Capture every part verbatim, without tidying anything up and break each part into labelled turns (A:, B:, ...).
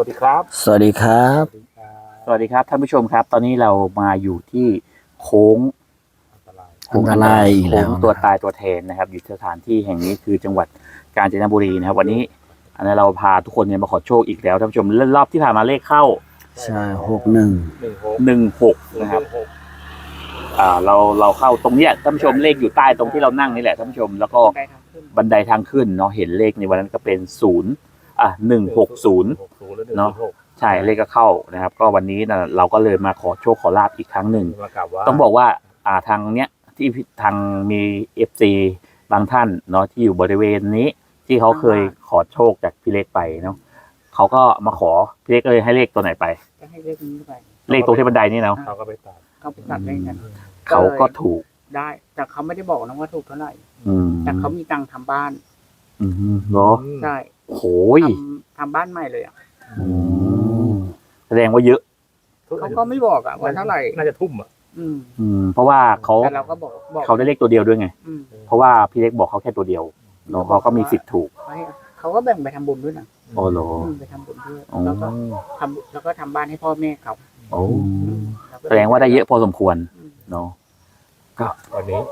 A: วัสดีครับ
B: สวัสดีครับ
C: สวัสดีครับท่านผู้ชมครับตอนนี้เรามาอยู่ที่โค้ง
B: อันตรายอีกแล้ว
C: โค้งตัวตายตัวแทนนะครับอยู่สถานที่แห่งนี้คือจังหวัดกาญจนบุรีนะครับวันนี้อันนี้เราพาทุกคนเนี่ยมาขอโชคอีกแล้วท่านผู้ชมรอบที่ผ่านมาเลขเข้า
B: ใช่หกหนึ่ง
C: หนึ่งหกนะครับอ่าเราเราเข้าตรงเนี้ยท่านผู้ชมเลขอยู่ใต้ตรงที่เรานั่งนี่แหละท่านผู้ชมแล้วก็บันไดทางขึ้นเนาะเห็นเลขในวันนั้นก็เป็นศูนย์อ่ะหนึ่งหกศูนย์เนาะใช่เลขก็เข้านะครับก็วันนี้นะเราก็เลยมาขอโชคขอลาบอีกครั้งหนึ่งต้องบอกว่าอ่าทางเนี้ยที่ทางมีเอฟซีบางท่านเนาะที่อยู่บริเวณนี้ที่เขาเคยขอโชคจากพี่เล็กไปเนาะเขาก็มาขอพี่เล็กเลยให้เลขตัวไหนไป
D: ก็ให้เลขนี้ไป
C: เลขตรงที่บันไดนี่เนาะ
A: เขาก็ไปตัด
D: เขาไปตัดเลขกัน
C: เขาก็ถูก
D: ได้แต่เขาไม่ได้บอกนะว่าถูกเท่าไหร่
C: อืม
D: แต่เขามีตังค์ทำบ้าน
C: อืมเนาะ
D: ใช่
C: โหย
D: ทำทำบ้านใหม่เลยอ่ะ
C: แสดงว่าเยอะ
D: เขาก็ไม่บอกอ่ะว่าเท่าไหร่
A: น่าจะทุ่มอ่ะ
D: อืม
C: อืมเพราะว่าเขา
D: แต่เราก็บอกบอก
C: เขาได้เลขตัวเดียวด้วยไง
D: อืม
C: เพราะว่าพี่เล็กบอกเขาแค่ตัวเดียวเนาะเขาก็มีสิทธิ์ถูก
D: เขาก็แบ่งไปทำบุญด้วยนะ
C: โอ้โห
D: ไปทำบุญด้วยแล้วก็ทำแล้วก็ทำบ้านให้พ่อแม่เขา
C: โอ้แสดงว่าได้เยอะพอสมควรเนาะก็
A: วันนี้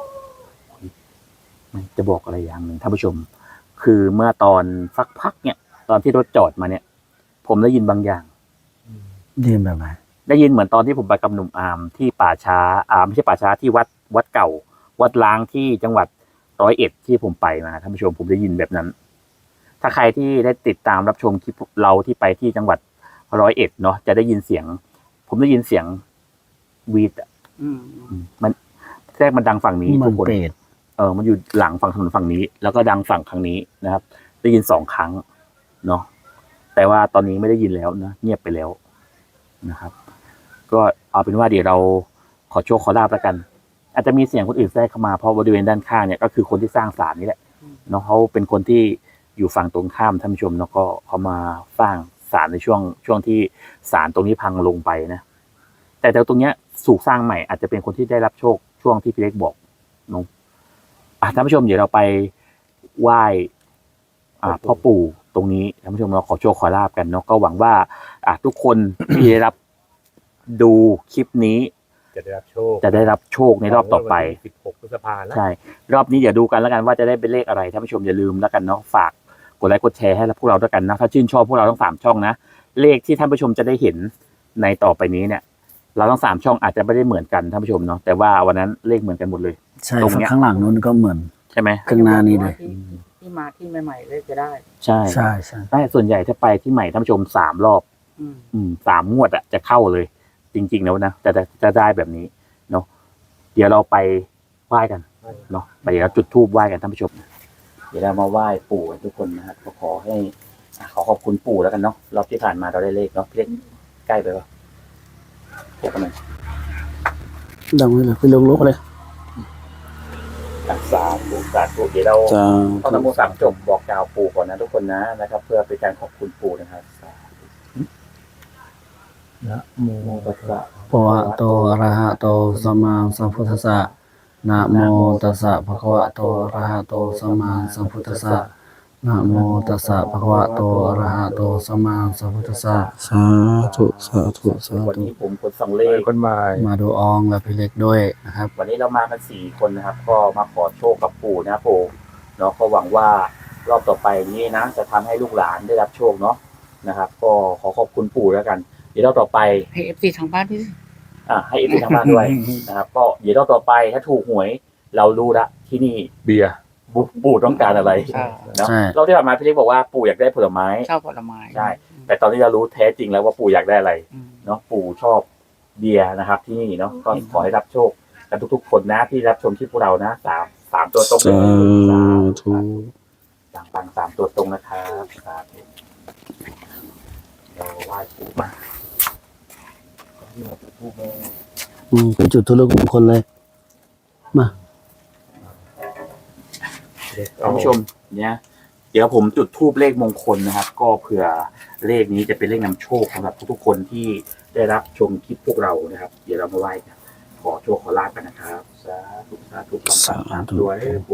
C: จะบอกอะไรอย่างหนึ่งท่านผู้ชมคือเมื่อตอนสักพักเนี่ยตอนที่รถจอดมาเนี่ย ผมได้ยินบางอย่าง
B: ได้ยินแบบไหน
C: ได้ยินเหมือนตอนที่ผมไปกับหนุ่มอาร์มที่ป่าช้าอาร์มไม่ใช่ป่าช้าที่วัดวัดเก่า วัดล้างที่จังหวัดร้อยเอ็ดที่ผมไปมาท่านผู้ชมผมได้ยินแบบนั้น ถ้าใครที่ได้ติดตามรับชมคลิปเราที่ไปที่จังหวัดร้อยเอ็ดเนาะจะได้ยินเสียง ผมได้ยินเสียงวีดมันแรกมันดังฝั่งนี้ทุกคนเออมันอยู่หลังฝั่งถนนฝั่งนี้ แล้วก็ดังฝั่งครั้งนี้นะครับ ได้ยินสองครั้งเนาะแต่ว่าตอนนี้ไม่ได้ยินแล้วนะเงียบไปแล้วนะครับ ก็เอาเป็นว่าเดี๋ยวเราขอโชคขอลาบแล้วกัน อาจจะมีเสียงคนอื่นแทรกเข้ามาเพราะบริเวณด้านข้างเนี่ยก็คือคนที่สร้างศาลนี่แหละเนาะเขาเป็นคนที่อยู่ฝั่งตรงข้ามท่านผู้ชมแล้วก็เขามาสร้างศาลในช่วงช่วงที่ศาลตรงนี้พังลงไปนะแต่แต่ตรงเนี้ยสูกสร้างใหม่อาจจะเป็นคนที่ได้รับโชคช่วงที่พี่เล็กบอกเนาะอ่ะท่านผู้ชมเดี๋ยวเราไปไหว้อ่าพ่อปู่ตรงนี้ท่านผู้ชมเราขอโชคขอลาบกันเนาะก็หวังว่าอ่ะทุกคนที่ได้รับดูคลิปนี้
A: จะได้รับโชค
C: จะได้รับโชคในรอบต่อไป
A: สิบหกพฤษภาคมแล้ว
C: ใช่รอบนี้อย่าดูกันแล้วกันว่าจะได้เป็นเลขอะไรท่านผู้ชมอย่าลืมแล้วกันเนาะฝากกดไลค์กดแชร์ให้พวกเราด้วยกันนะถ้าชื่นชอบพวกเราทั้งสามช่องนะเลขที่ท่านผู้ชมจะได้เห็นในต่อไปนี้เนี่ยเราทั้งสามช่องอาจจะไม่ได้เหมือนกันท่านผู้ชมเนาะแต่ว่าวันนั้นเลขเหมือนกันหมดเลย
B: ใช่ข้างหลังนู้นก็เหมือน
C: ใช่ไหม
B: ข้างหน้านี้เลย
D: ที่มาที่ใหม่ๆเลขจะได้
C: ใช่
B: ใช่ใช่
C: แต่ส่วนใหญ่ถ้าไปที่ใหม่ท่านผู้ชมสามรอบอืมสามงวดอะจะเข้าเลยจริงๆแล้วนะแต่จะได้แบบนี้เนาะเดี๋ยวเราไปไหว้กันเนาะไปเดี๋ยวเราจุดธูปไหว้กันท่านผู้ชมเดี๋ยวเรามาไหว้ปู่ทุกคนนะครับก็ขอให้ขอขอบคุณปู่แล้วกันเนาะรอบที่ผ่านมาเราได้เลขเนาะเลขใกล้ไปปะเดี๋ยวกันหน่อย
B: ดังเลยไปลงลกเลย
C: สาธุสาธุเดี๋ยวเราต้องนโมสามจบบอกกล่าวปู่ก่อนนะทุกคนนะนะครับ เพื่อเป็นการขอบคุณปู่นะครับนะโมตัสสะ
B: ภะคะวะโตอะระหะโตสัมมาสัมพุทธัสสะนะโมตัสสะภะคะวะโตอะระหะโตสัมมาสัมพุทธัสสะนะโมตัสสะภะคะวะโตอะระหะโตสัมมาสัมพุทธัสสะสาธุสาธุสาธุ
C: วันนี้ผมคนสองเลข
A: คนใหม่
B: มาดูอองและพี่เล็กด้วยนะครับ
C: วันนี้เรามากันสี่คนนะครับก็มาขอโชคกับปู่นะปู่เนาะก็หวังว่ารอบต่อไปนี้นะจะทำให้ลูกหลานได้รับโชคเนาะนะครับก็ขอขอบคุณปู่แล้วกันเดี๋ยวรอบต่อไป
D: ให้เอฟซีทางบ้านด้วย
C: อ่าให้เอฟซีทางบ้านด้วยนะครับก็เดี๋ยวรอบต่อไปถ้าถูกหวยเรารู้ละที่นี่
A: เบียร์
C: ปู่ต้องการอะไรเนาะเราที่ผ่านมาพี่เล็กบอกว่าปู่อยากได้ผลไม้
D: ชอบผลไม้
C: ใช่แต่ตอนนี้เรารู้แท้จริงแล้วว่าปู่อยากได้อะไรเนาะปู่ชอบเบียร์นะครับที่นี่เนาะก็ขอให้รับโชคกันทุกๆคนนะที่รับชมคลิปพวกเรานะสามสามตัวตรง
B: สาธุ
C: ต่างปังสามตัวตรงนะครับเราไหว้ปู่มา
B: อืมเป็นจุดทุลกมงคลเลยมา
C: ท่านผู้ชมเนี่ยเดี๋ยวผมจุดธูปเลขมงคลนะครับก็เผื่อเลขนี้จะเป็นเลขนำโชคสำหรับทุกๆคนที่ได้รับชมคลิปพวกเรานะครับเดี๋ยวเรามาไหว้กันขอโชคขอลาภกันนะครับสาธุสาธุสาธุด้วยปู่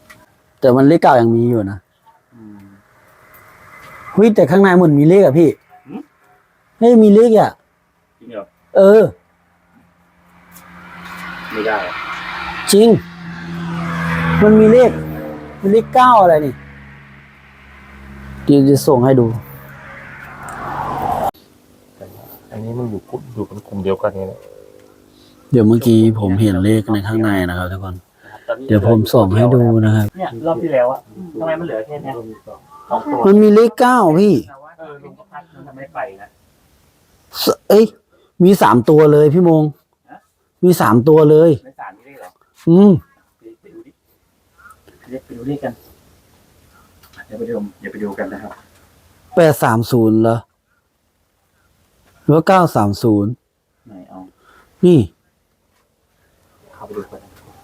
B: แต่มันเลขเก้ายังมีอยู่นะเฮ้ยแต่ข้างในมันมีเลขอะพี่ไม่มีเลขอ่ะ
C: จริงเหรอ
B: เออ
C: ไม่ได้อะ
B: จริง มันมีเลขมันเลขเก้าอะไรนี่เดี๋ยวจะส่งให้ดู
A: อันนี้มันอยู่กลุ่มอยู่เป็นกลุ่มเดียวกันนี่แหละ
B: เดี๋ยวเมื่อกี้ผมเห็นเลขในข้างในนะครับทุกคน
C: ตอนนี้
B: เดี๋ยวผมส่งให้ดูนะครับ
C: เนี่ยรอบที่แล้วอะทำไมมันเหลือแค่เนี้ยสองตัว
B: มันมีเลขเก้าพี่
C: เออลุงก็พักมันทำไม่ไปนะ
B: สเอ้ย มีสามตัวเลยพี่มง มีสามตัวเลย
C: ในสารนี่ได้เหรอ
B: อืม
C: ไปไปดูดิเรียกไปดูเลขกันเดี๋ยวไปดูเดี๋ยวไปดูกันนะครับ
B: แปดสามศูนย์เหรอหรือว่าเก้าสามศูนย์
C: ไหนเอา
B: นี่
C: เข้าไปดูกัน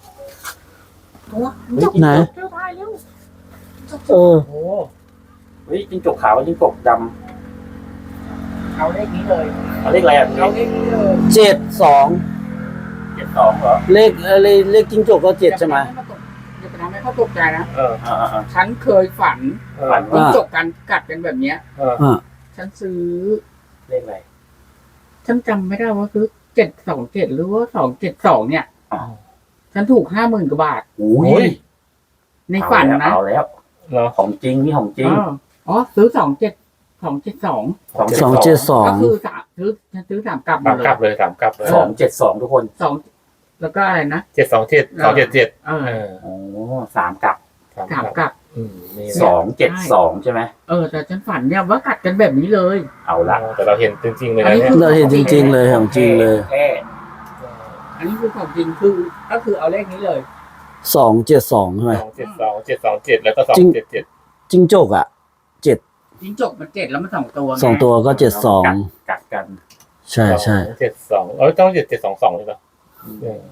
B: ไหน
D: เจ้าทายเร็ว
B: เออ
C: โอ้เฮ้ยจิ้งจกขาวจิ้งจกด
D: เอาเลขนี้เลย
C: ำเอาเลขอะไรอ่ะ
D: เอาเลขนี้เลย
B: เจ็ดสอง
C: เจ็ดสองเหรอ
B: เลขเอ่อเลขเลขจิ้งจกก็เจ็ดใช่ไหม
D: อย่าไปทำให้เขาตกใจนะ
A: เออ
C: อ่าอ่า
D: ฉันเคยฝัน
A: เออ
C: ฝัน
D: จิ้ง
B: อ่า
D: จกกันกัดกันแบบเนี้ย
A: เออ
B: อ่า
D: ฉันซื้อ
C: เลขอะไร
D: ฉันจำไม่ได้ว่าซื้อเจ็ดสองเจ็ดหรือว่าสองเจ็ดสองเนี่ย
C: อ้าว
D: ฉันถูกห้าหมื่นกว่าบาท
C: โอ้ย
D: ในฝันนะ
C: เอาแล้ว
A: เหรอ
C: ของจริงนี่ของจริง
D: อ๋ออ๋อซื้อสองเจ็ดสองเจ็ดสอง
B: สองเจ็ดสอง
D: ก็คือสามซื้อฉันซื้อสามกลับหม
A: สาม
D: ดเล
A: กลั
D: ย
A: บเลยสามกลับเลย
C: สองเจ็ดสองทุกคน
D: สองแล้วก็อะไรนะ
A: เจ็ดสองเจ็ดสองเจ็ดเจ็ด
D: เออ
A: เออ
C: โอ้สามกับ
A: สาม
D: สาม
A: ก
D: ก
A: ลับ
D: ลับ
A: อืมนี่
C: สองเจ็ดสองใช่ไหม
D: เออแต่ฉันฝันเนี่ยว่ากัดกันแบบนี้เลย
C: เอาละ
A: แต่เราเห็นจริงๆเลย
D: อัน
A: นะ
D: นี้
A: เนี่ย
D: คือ
B: เราเห็นจริง ๆ เลยของจริงเลย
C: แค่
D: อันนี้คือของจริงคือก็คือเอาเลขนี้เลย
B: สองเจ็ดสองใช่ไหม
A: สองเจ็ดสองเจ็ดสองเจ็ดแล้วก็สอง
B: จริง
A: เจ็ดเจ็ด
B: จิ้งจกอ่ะเจ็ด
D: จิ้งจกมันเจ็ดแล้วมันสองตัวไ
B: สองตัวก็เจ็ดสอง
C: กัดกัน
B: ใช่ใช่
A: เจ็ดสองเออต้องเจ็ดเจ็ดสองสองใช่ปะเออ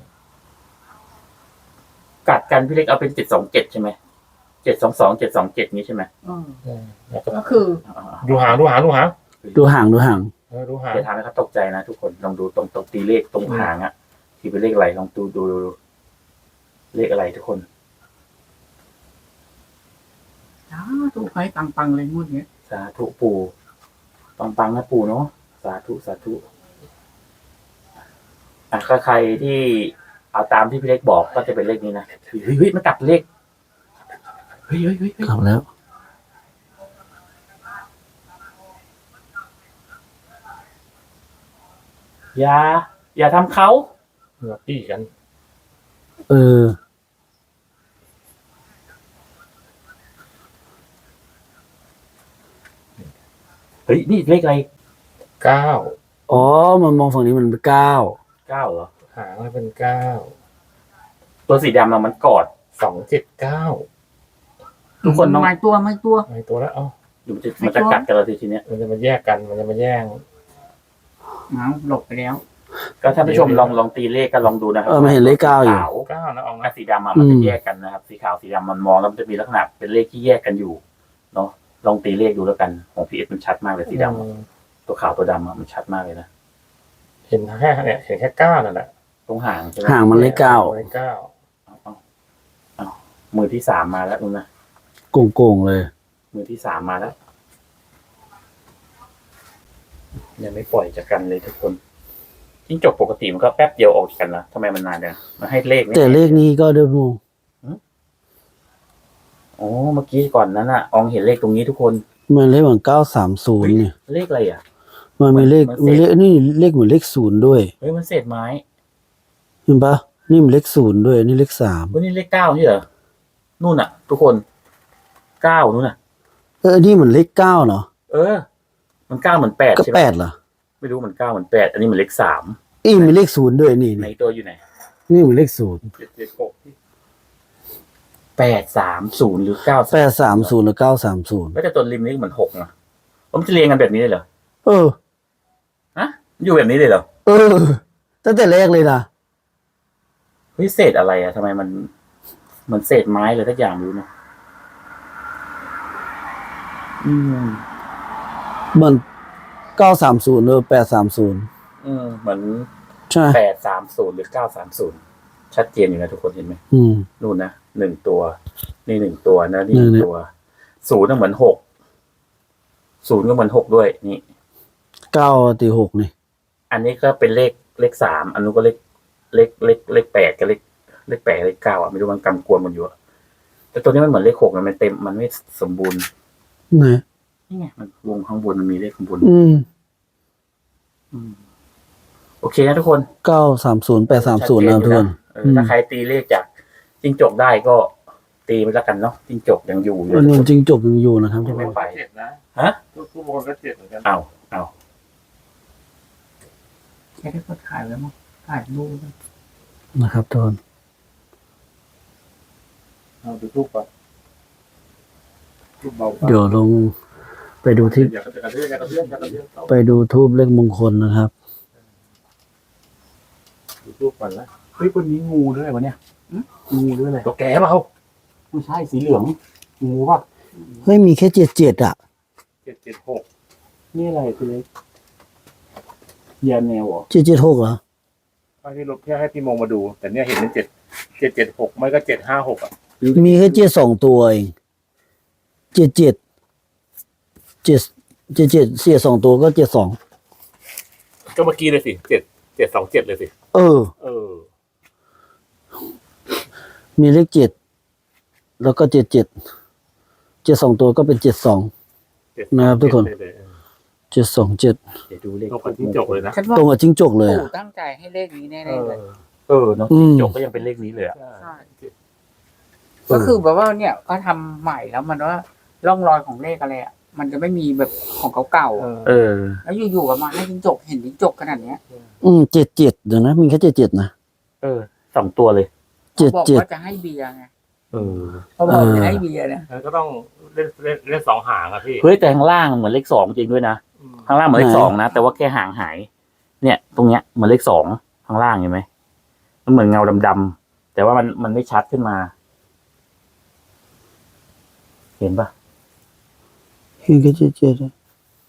C: กัดกันพี่เล็กเอาเป็นเจ็ดสองเจ็ดใช่ไหมเจ็ดสองสองเจ็ดสองเจ็ดนี้ใช่ไหม
D: อืม
A: เออแล้วก็
D: ก็คือ
A: ดูหางดูหางดูหาง
B: ดูห่างดูห่าง
A: เออดูหาง
C: จะทำให้เขาตกใจนะทุกคนลองดูตรงตรงตีเลขตรงหางอะที่เป็นเลขอะไรลองดูดูดูดูเลขอะไรทุกคน
D: อ้าถูกใครปังๆเลยงวดเนี้ย
C: สาธุปู่ปังปังๆนะปู่เนาะสาธุสาธุอ่ะถ้าใครที่เอาตามที่พี่เล็กบอกก็จะเป็นเลขนี้นะเฮ้ยเฮ้ยเฮ้ยมันกลับเลขเฮ้ยเฮ้ยเฮ้ยเฮ้ย
B: กลับแล้ว
C: อย่า อย่าทำเขา
A: เหงือปี้กัน
B: เออ
C: เฮ้ยนี่เลขอะไร
A: เก้า
B: อ๋อ มันมองฝั่งนี้มันเป็นเก้า
C: เก้าเหรอ
A: หางมันเป็นเก้า
C: ตัวสีดำอะมันกอด
A: สองเจ็ดเก้า
C: ทุกคนต้อง
D: ไม่ตัวไม่ตัว
A: ไอตัวแล้วเอ้า
C: อยู่มันจะมันจะกัดกันเราทีทีเนี้ย
A: มันจะมาแยกกันมันจะมาแย่ง
D: เอาหลบไปแล้ว
C: ก็ท่านผู้ชมลองลองตีเลขก็ลองดูนะครั
B: เออมันเห็นเลขเก้าอยู่
C: ขาว
A: เก้านะออง
C: กับ
A: นะ
C: สีดำอะมัน
B: อื
C: จะ
B: ม
C: แยกกันนะครับ สีขาวสีดำมันมองแล้วมันจะมีลักษณะเป็นเลขที่แยกกันอยู่เนาะลองตีเลขดูแล้วกันของพีเอสมันชัดมากเลยสีดำอะ
A: อืม
C: ตัวขาวตัวดำอะมันชัดมากเลยนะ
A: เห็นแค่เนี่ยเห็นแค่เก้านั่นแหละ
C: ตรงหางใช่ไหม
B: ห่างมันเลขเก้า
A: เลขเก้า
C: เอาเอาเอามือที่สามมาแล้วนู่นนะ
B: โกงๆเลย
C: มือที่สามมาแล้วยังไม่ปล่อยจากกันเลยทุกคนจิ้งจกปกติมันก็แป๊บเดียวออกจากกันนะทำไมมันนานจังมันให้เลขนี่
B: แต่เลขนี้ก็เดิมง
C: อ๋อเมื่อกี้ก่อนนั้นอะอองเห็นเลขตรงนี้ทุกคน
B: มันเลขเหมือนเก้าสามศูนย์เนี่ย
C: เลขอะไรอ่ะ
B: มันมีเลข
C: มันเศษ
B: มีเลขนี่เลขเหมือนเลขศูนย์ด้วย
C: เฮ้ยมันเศษไม้
B: เห็นปะนี่มันเลขศูนย์ด้วย นี่เลขสาม
C: เฮ้ยนี่เลขเก้าใช่เหรอนู่นอะทุกคนเก้านู่นอะ
B: เออ นี่เหมือนเลขเก้าเนาะ
C: เออ มันเก้าเหมือนแปด
B: ก็
C: ใช่ไหม
B: แปดเหรอ
C: ไม่รู้เหมือนเก้าเหมือนแปดอันนี้เหมือนเลขสาม
B: อีมีเลขศูนย์ด้วยนี่
C: ใน
B: นี่
C: ตัวอยู่ไหน
B: นี่เหมือนเลขศูนย์
A: เจ็ดเจ็ดหก
C: แปดสามศูนย์หรือเก้า
B: แปดสามศูนย์หรือเก้าสามศูนย์
C: แล้วแต่ตัวริมนี่เหมือนหกนะผมนจะเรียงกันแบบนี้เลยเหรอ
B: เออ
C: ฮะอยู่แบบนี้เลยเหรอ
B: เออ ตั้งแต่แรกเลยนะ
C: เฮ้ยเศษอะไรอะทำไมมันเหมือนเศษไม้เลยทักอย่างไม่รู้เนอะอืม
B: เหมือนเก้าสามศูนย์หรือแปดสามศูนย์
C: อืมเหมือน
B: ใช่ไหม
C: แปดสามศูนย์หรือเก้าสามศูนย์ชัดเจนอยู่นะทุกคนเห็นไหม
B: อืม
C: นู่นนะหนึ่งตัว นี่หนึ่งตัวนะนี่ห
B: นี่
C: นึ่ง
B: นี่
C: ตัวศูนย์ก็เหมือนหกศูนย์ก็เหมือนหกด้วยนี่
B: เก้าตีหกนี่
C: อันนี้ก็เป็นเลขเลขสามอันนู้นก็เลขเลขเลขเลขแปดกับเลขเลขแปดเลขเก้าอ่ะไม่รู้มันกำกวมกันอยู่อะแต่ตัวนี้มันเหมือนเลขหกมันเต็มมันไม่สมบูรณ์
B: ไหน
C: นี่ไงมันวงข้างบนมันมีเลขข้างบน
B: อืม
C: อืมโอเคนะทุกคน
B: เก้าสามศูนย์แปดสามศูนย์นะครับทุกคน
C: เออถ้าใครตีเลขจากจิ้งจกได้ก็ตีไปแล้วกันเนาะจิ้งจกยังอยู่อยู่
B: มันมันจริงจบยังอยู่นะครับทุกค
C: ไม่
B: น
C: ไป
A: เจ็ดนะ
C: ฮะ
A: ทุกทุกคนก็เจ็ดเหมือนกัน
C: เอาเอา
D: แค่ได้ก็ถ่ายแล้วมั้งถ่ายรูปนะ
B: นะครับทุกคน
A: เอาดูทุกก่อนทุกเบา
B: เดี๋ยวลงไปดูที่
A: อย่ากระเทือนอย่ากระเทือนอย่ากระเทือนเข้า
B: ไปดูทูบเลขมงคลนะครับ
A: ดูทุกก่อนละ
C: เฮ้ยวันนี้งูด้วยวะเนี่ยงูด้วยเลย
A: ตัวแก่เปล่า
C: ไม่ใช่สีเหลืองงูป่ะ
B: เฮ้ยมีแค่เจ็ดเจ็ดอ่ะ
A: เจ็ดเจ็ดหก
C: นี่อะไรคือเล็กยาแนวเหรอ
B: เจ็ดเจ็ดหกเหรอ
A: บางทีเราแค่ให้พี่มงมาดู แต่เนี่ยเห็นเป็นเจ็ดเจ็ดเจ็ดหกไม่ก็เจ็ดห้าหกอ่ะ
B: มีแค่เจ็ดสองตัวเองเจ็ดเจ็ดเจ็ดเจ็ดเจ็ดเสียสองตัวก็เจ็ดสอง
A: ก็เมื่อกี้เลยสิเจ็ดเจ็ดสองเจ็ดเลยสิ
B: เออ
A: เออ
B: มีเลขเจ็ดแล้วก็เจ็ดเจ็ดเจ็ดสองตัวก็เป็นเจ็ดสอง
A: เจ็ด
B: นะครับทุกคน
A: เจ็ดเลยเออ
B: เจ็ดสองเจ็ด
C: เดี๋ยวดูเลข
A: ตรงกับจิ้งจกเลยนะ
D: ฉันว่า
B: ตรงกับจิ้งจกเลย
D: ปู่
B: อ่ะ
D: ตั้งใจให้เลขนี้แน่
A: เอ
D: ๆ
A: อ
D: เลย
C: เออเนาะ
B: อืม
C: จกก็ยังเป็นเลขนี้เลยอะ
A: ใช่
D: ใช่ ก็คือแบบว่าเนี่ยก็ทำใหม่แล้วมันว่าร่องรอยของเลขอะไรอ่ะมันจะไม่มีแบบของเก่าๆ
A: เอ
D: อะ
A: อ
C: เออ
D: แล้วอยู่ๆก็มาให้จิ้งจกเห็นจิ้งจกขนาดเนี้ย
B: อืมเจ็ดเจ็ดเดี๋ยวนะมีแค่เจ็ดเจ็ดนะ
C: เออสองตัวเลย
B: เจ็ด
D: บอก
B: เจ็ด
D: ว่าจะให้เบียร์ไง
C: เออ
D: เขาบอก
B: เออ
D: จะให้เบียร์นะ
A: แล้วก็ต้องเล่นเล่นเล่นสองหางอะพี่
C: เฮ้ยแต่ข้างล่างเหมือนเลขสองจริงด้วยนะ
A: อืม
C: ข้างล่างเหมือนเลขสองนะแต่ว่าแค่หางหาย เนี่ย ตรงเนี้ยเหมือนเลขสองข้างล่างเห็นไหมมันเหมือนเงาดำๆแต่ว่ามันมันไม่ชัดขึ้นมา เห็นปะ
B: เห็นแค่เจ็ดเจ็ดอะ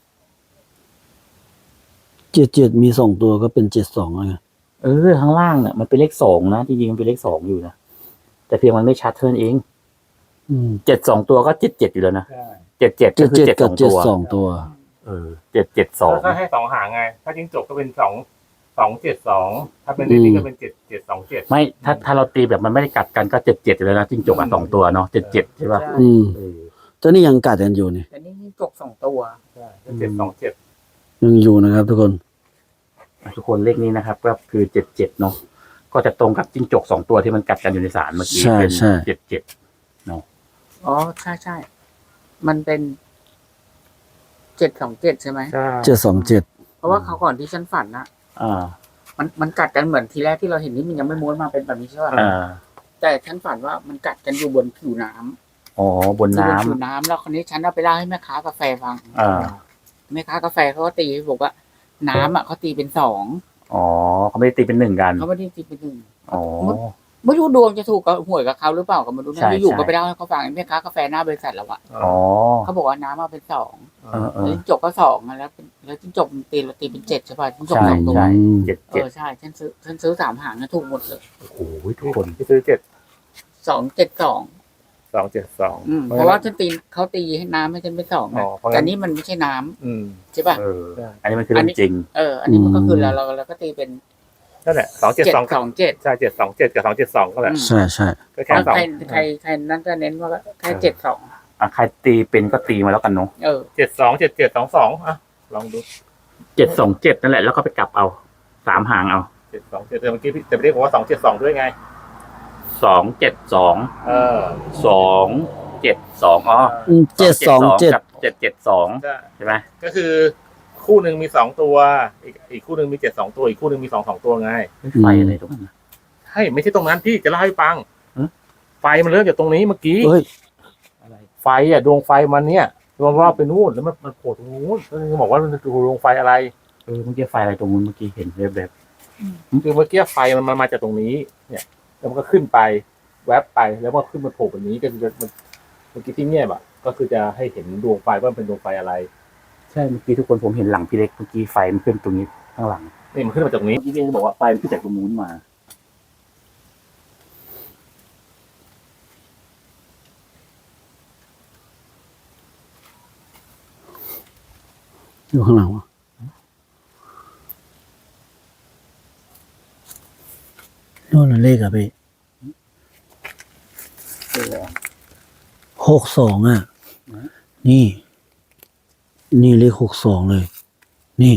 B: เจ็ดเจ็ดมีสองตัวก็เป็นเจ็ดสองไง
C: เออข้างล่างเนี่ยมันเป็นเลขสองนะจริงๆมันเป็นเลขสองอยู่นะแต่เพียงมันไม่ชัดเท่านั้นเอง
B: อืม
C: เจ็ดสองตัวก็เจ็ดเจ็ดอยู่แล้วนะ
A: ใช่
C: เจ็ดเจ็ด
B: เจ็
C: ก็
B: ด
C: คือ
B: เจ็ด
C: เจ็ดส
B: กั
C: อบ ง
B: เจ็ด
C: ตัว
B: สองตัว
C: เออเจ็ดเจ็ดสอง
A: ถ้าให้สองหางไง ถ้าจิ้งจกก็เป็นสองสองเจ็ดสองถ้าเป็นเลขนี้ก็เป็นเจ็ดเจ็ดสองเจ็ด
C: ไม่ถ้าถ้าเราตีแบบมันไม่ได้กัดกันก็เจ็ดเจ็ดอยู่แล้วนะจิ้งจกอ่ะสองตัวเนาะเจ็ดเจ็ดใช่ป่ะ
B: อืม
C: เออ
B: ตอนนี้ยังกัดกันอยู่นี่
D: แต่นี่จิ้งจกสองตัว
A: ใช่เจ็ดสองเจ็ด
B: ยังอยู่นะครับ ทุกคน
C: ทุกคนเลขนี้นะครับ ก็คือเจ็ดเจ็ดเนาะก็จะตรงกับจิ้งจกสองตัวที่มันกัดกันอยู่ในศาลเมื่อกี้
B: ใช่
C: เป็น
B: ใช่
C: เจ็ดเจ็ด
D: อ๋อใช่ใช่มันเป็นเจ็ดสองเจ็ดใช่ไหม
A: ใช่
B: เจ็ดสองเจ็ด
D: เพราะว่าเขาวก่อนที่ฉันฝันนะ
C: อ่า
D: มันมันกัดกันเหมือนทีแรกที่เราเห็นนี่มันยังไม่ม้วนมาเป็นแบบนี้ใช่ป่ะ
C: อ่า
D: แต่ฉันฝันว่ามันกัดกันอยู่บนผิวน้ำ
C: อ๋อบน
D: อยู่บ
C: น้ำ
D: นผิวน้ำแล้วคนนี้ฉันเอาไปเล่าให้แม่ค้ากาแฟฟัง
C: อ่า
D: แม่ค้ากาแฟเขาก็ตีบอกว่า น้ำอ่ะเขาตีเป็นสอง
C: อ๋อเขาไม่ได้ตีเป็นหนึ่งกัน
D: เขาไม่ได้ตีเป็นหนึ่ง
C: อ๋อ
D: ไม่รู้ดวงจะถูกกับหวยกับเขาหรือเปล่าก็ไม่รู้
C: ใช่
D: นะอยู่
C: ใช่
D: ๆก็ไปเล่าให้เขาฟังแม่ค้ากาแฟหน้าบริษัทเราอะ
C: อ๋อ
D: เขาบอกว่าน้ำมาเป็นสอง
C: เออเอ
D: แล้ว
C: อ
D: จิ้งจกก็สองอะแล้วเป็นแล้วจิ้งจกมันตีเราตีเป็นเจ็ดใช่ป่ะจิ้งจก
C: ใช่
D: สองตัว
C: ใช่
B: อืม
C: เจ็ด
D: เอ
C: เจ็ด
D: อใช่ฉันซื้อฉันซื้อสามหางนะถูกหมดเลย
C: โอ้โหทุกคน
A: ที่ซื้อเจ็ด
D: สองเจ็ดสอง
A: สองเจ็ดสอง
D: อืมเพราะว่าฉันตีเขาตีให้น้ำให้ฉันเป็นสอง
A: อ๋
D: นะ
A: อเพราะงั้น
D: แต่นี่มันไม่ใช่น้ำ
A: อืม
D: ใช่ป่ะ
C: เออ
A: ใช่
C: อันนี้มันคือเรื่องจริง
D: เออ อันนี้มันก็คือเราเราเราก็ตีเป็น
A: นั่นแหละสองเจ็ด
D: เจ็ด
A: สอง
D: สองเจ็ด
A: ใช่เจ็ดสองเจ็ดกับสองเจ็ดสองก็แหละ
B: ใช่ใช่
A: ก็แค่สอง
D: ใครใครใครนั่นก็เน้นว่าแค่เจ็ดสอง
C: อ่ะใครตีเป็นก็ตีมาแล้วกันเนาะ
D: เออ
A: เจ็ดสองเจ็ดเจ็ดสองสองอ่ะลองดู
C: เจ็ดสองเจ็ดนั่นแหละแล้วก็ไปกลับเอาสามหางเอา
A: เจ็ดสองเจ็ดแต่เมื่อกี้พี่แต่ไม่ได้บอกว่าสองเจ็ดสองด้วยไง
C: สองเจ็ดสอง
A: เออ
C: สองเจ็ดสองอ๋อ
B: เจ็ดสองเจ็ด
C: กับเจ็ดเจ็ดสอง
A: ใช่
C: ใช่ไหม
A: ก็คือคู่หนึ่งมีสองตัว อีกอีกคู่หนึ่งมีเจ็ดสองตัวอีกคู่หนึ่งมีสองสองตัวไง
C: ไฟอะไรตรงนั้นนะ
A: ใช่ไม่ใช่ตรงนั้นพี่จะเล่าให้ฟัง
C: ฮะ
A: ไฟมันเริ่มจากตรงนี้เมื่อกี้
B: เฮ้ย
C: อะไร
A: ไฟอ่ะดวงไฟมันเนี่ยมันรอบไปนู่นแล้วมันมันโผล่ตรงนู้นก็เลยบอกว่ามันคือดวงไฟอะไร
C: เออเมื่อกี้ไฟอะไรตรงนู้นเมื่อกี้เห็นแบบแบบ
A: คือเมื่อกี้ไฟมันมันมาจากตรงนี้ เนี่ยแล้วมันก็ขึ้นไปแวบไปแล้วมันขึ้นมาโผล่แบบนี้ก็คือมันเมื่อกี้ที่เงียบอ่ะก็คือจะให้เห็นดวงไฟว่ามันเป็นดวงไฟอะไร
C: ใช่เมื่อกี้ทุกคนผมเห็นหลังพี่เล็กเมื่อกี้ไฟมันขึ้นตรงนี้ข้างหลัง
A: นี่มันขึ้นมาจากตรงนี้
C: เมื่อกี้พี่เล็กบอกว่าไฟมันขึ้นจากตรงนู้นมา
B: อยู่ข้างหลังวะโน่นน่ะเลขอะพี่หกสองอ่ะ นี่ นี่เลขหกสองเลย นี่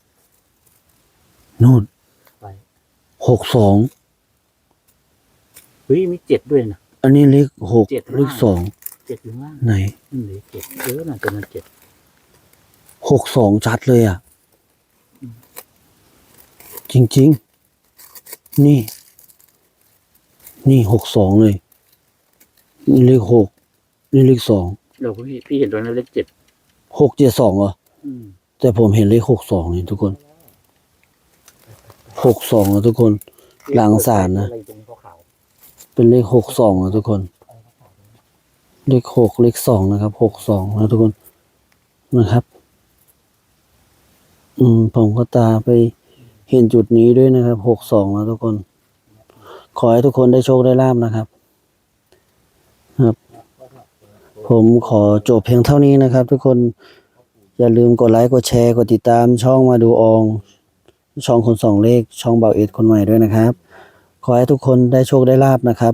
B: นู่น
C: ไป
B: หกสอง
C: เฮ้ยมีเจ็ดด้วยนะ
B: อันนี้เลขหก
C: เจ็ด
B: เลขสอง
C: เจ็ดอยู่ข้างล่าง
B: ไหน
C: นี่เหลือเจ็ดเออน่าจะมาเจ็ด
B: หกสองชัดเลยอ่ะ จริงๆ นี่ นี่หกสองเลย นี่เลขหกนี่เลขสอง
C: เดี๋ยวพี่พี่เห็นตรงนั้นเลขเจ็ด
B: หกเจ็ดสองเหรอ
C: อืม
B: แต่ผมเห็นเลขหกสองนี่ทุกคน หกสองนะทุกคน หลังศาลนะ
C: อะไรตรงขาว
B: เป็นเลขหกสองนะทุกคน เลขหกเลขสองนะครับหกสองนะทุกคนนะครับ อืมผมก็ตาไปเห็นจุดนี้ด้วยนะครับหกสองนะทุกคน ขอให้ทุกคนได้โชคได้ลาภนะครับ ครับ ผมขอจบเพียงเท่านี้นะครับ ทุกคนอย่าลืมกดไลค์กดแชร์กดติดตามช่องมาดูออง ช่องคนสองเลขช่องเบาเอ็ดคนใหม่ด้วยนะครับ ขอให้ทุกคนได้โชคได้ลาภนะครับ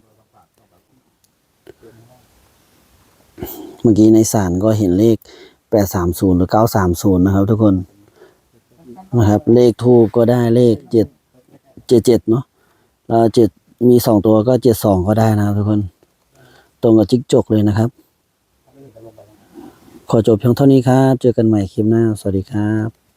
B: เมื่อกี้ในศาลก็เห็นเลขแปดสามศูนย์หรือเก้าสามศูนย์นะครับ ทุกคนนะครับ เลขทูปก็ได้เลขเจ็ดเจ็ดเจ็ดเนาะแล้วเจ็ดมีสองตัวก็เจ็ดสองก็ได้นะครับทุกคน ตรงกับจิ๊กจกเลยนะครับ ขอจบเพียงเท่านี้ครับ เจอกันใหม่คลิปหน้า สวัสดีครับ